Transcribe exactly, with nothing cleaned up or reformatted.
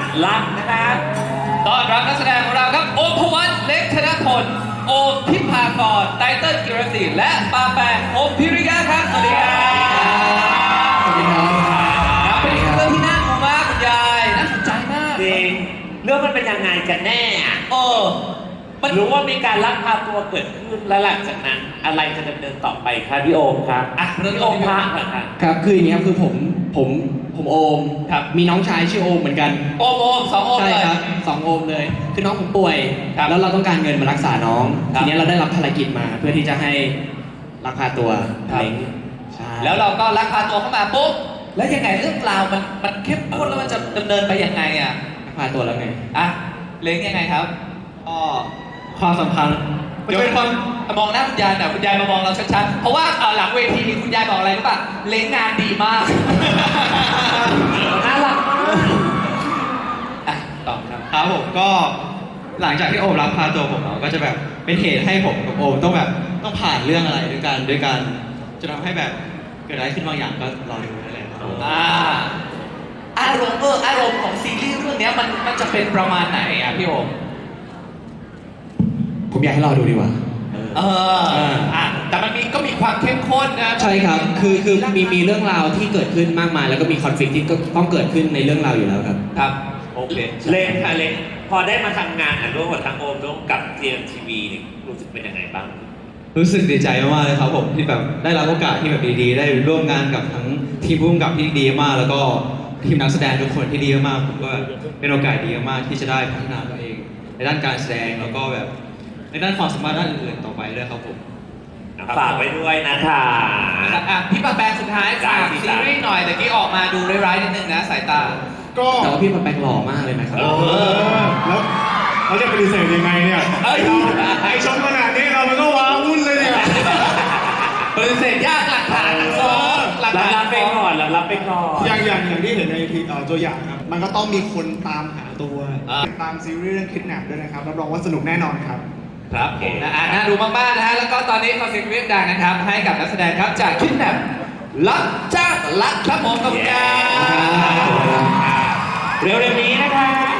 ลักนะคะต้อนรับนักแสดงของเราครับโอมพวัตเล็กธนพลโอมทิพากรไตเติ้ลกิรศรีและปาแปงโอมพิริยะครับสวัสดีครับสวัสดีครับเป็นเรื่องที่น่าดูมากคุณยายน่าสนใจมากจริงเรื่องมันเป็นยังไงกันแน่อะเออมันรู้ว่ามีการลักพาตัวเกิดขึ้นแล้วหลังจากนั้นอะไรจะดำเนินต่อไปครับพี่โอมครับอ่ะเรื่องพี่โอมพระก่อนค่ะครับคืออย่างนี้ครับคือผมผมผมโอมครับมีน้องชายชื่อโอมเหมือนกันโอมโอมสองโอมใช่เลยครับสองโอมเลย คือน้องผมป่วยครับแล้วเราต้องการเงินมารักษาน้องครับทีนี้เราได้รับภารกิจมาเพื่อที่จะให้ลักพาตัวครับเล้งใช่แล้วเราก็ลักพาตัวเข้ามาปุ๊บแล้วยังไงเรื่องราวมันมันเข้มข้นแล้วมันจะดำเนินไปยังไงอ่ะลักพาตัวแล้วไงอ่ะเล้งยังไงครับอ๋อความสัมพันธ์เดี๋ยวเป็นคนมองหน้าคุณยายหน่อยคุณยายมามองเราชัดๆเพราะว่าเอ่อหลังเวทีคุณยายบอกอะไรรู้ป่ะเล้งงานดีมากน่ารักมากอ่ะตอบครับครับผมก็หลังจากที่โอมรับพาตัวผมเนาะก็จะแบบเป็นเหตุให้ผมกับโอมต้องแบบต้องผ่านเรื่องอะไรด้วยกันด้วยกันจะทำให้แบบเกิดอะไรขึ้นบางอย่างก็รอดูได้เลยครับอ่าอารมณ์เอออารมณ์ของซีรีส์เรื่องเนี้ยมันมันจะเป็นประมาณไหนอ่ะพี่โอมผมอยากให้รอดูดีกว่าเอออ่าอ่ะแต่มันมีก็มีความเข้มข้นนะใช่ครับ คือคือมีมีเรื่องราวที่เกิดขึ้นมากมาย แล้วก็มีคอนฟ lict ที่ก็ต้องเกิดขึ้นในเรื่องราวอยู่แล้วครับครับโอเคเล่นค่ะเล่นพอได้มาทำงานอ่ะร่วมกับทางโอมร่วมกับทีเอ็มทีวีนี่รู้สึกเป็นยังไงบ้างรู้สึกดีใจมากๆเลยครับผมที่แบบได้รับโอกาสที่แบบดีๆ ได้ร่วมงานกับทั้งทีมผู้กำกับที่ดีมาก แล้วก็ทีมนักแสดงทุกคนที่ดีมากผมว่าเป็นโอกาสดีมากที่จะได้พัฒนาตัวเอง ในด้านการแสดงแล้วก็แบบในด้านความสามารถด้านอื่นๆต่อไปด้วยครับผมฝากไว้ด้วยนะคะอ่ะพี่ปะแปงสุดท้ายฝากได้สิซีรีส์หน่อยแต่กี้ออกมาดูร้ายๆนิดนึงนะสายตาก็แต่ว่าพี่มันแปลงหล่อมากเลยนะครับเอเออแล้วเราจะปฏิเสธยังไงเนี่ยเอ้ยไอชมขนาดนี้เรามันก็ว้าวุ่นเลยเนี่ยปฏิเสธยากหลักฐานฟ้องหลักรับฐานรับไปก่อนรับรับไปก่อนอย่างอย่างอย่างที่เห็นในทีเอ่อตัวอย่างครับ มันก็ต้องมีคนตามหาตัวอ่าตามซีรีส์เรื่องคิดแนปด้วยนะครับรับรองว่าสนุกแน่นอนครับครับผมนะอ่ะน่าดูมากๆนะฮะแล้วก็ตอนนี้ขอเสียงเรียกดังนะครับ ให้กับนักแสดงครับจากคิดแนบลักจ้างลักครับผมขอบคุณครับเร็วๆนี้นะคะ